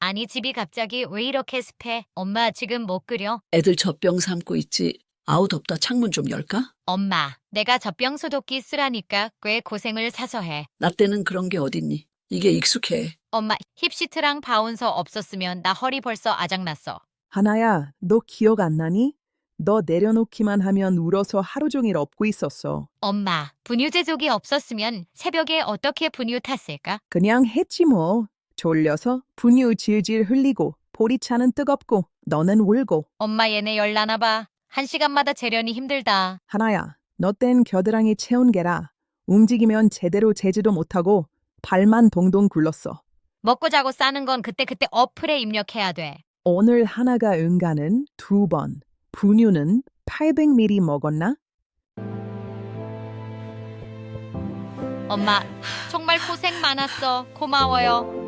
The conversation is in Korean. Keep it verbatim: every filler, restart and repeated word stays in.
아니, 집이 갑자기 왜 이렇게 습해? 엄마, 지금 못 끓여? 애들 젖병 삼고 있지. 아우 덥다. 창문 좀 열까? 엄마, 내가 젖병 소독기 쓰라니까 꽤 고생을 사서 해. 나 때는 그런 게 어딨니? 이게 익숙해. 엄마, 힙시트랑 바운서 없었으면 나 허리 벌써 아작났어. 하나야, 너 기억 안 나니? 너 내려놓기만 하면 울어서 하루 종일 업고 있었어. 엄마, 분유 제조기 없었으면 새벽에 어떻게 분유 탔을까? 그냥 했지 뭐. 졸려서 분유 질질 흘리고 보리차는 뜨겁고 너는 울고. 엄마, 얘네 열나나 봐. 한 시간마다 재련이 힘들다. 하나야, 너 땐 겨드랑이 채운 게라. 움직이면 제대로 재지도 못하고 발만 동동 굴렀어. 먹고 자고 싸는 건 그때그때 어플에 입력해야 돼. 오늘 하나가 응가는 두 번, 분유는 팔백 밀리리터 먹었나? 엄마, 정말 고생 많았어. 고마워요.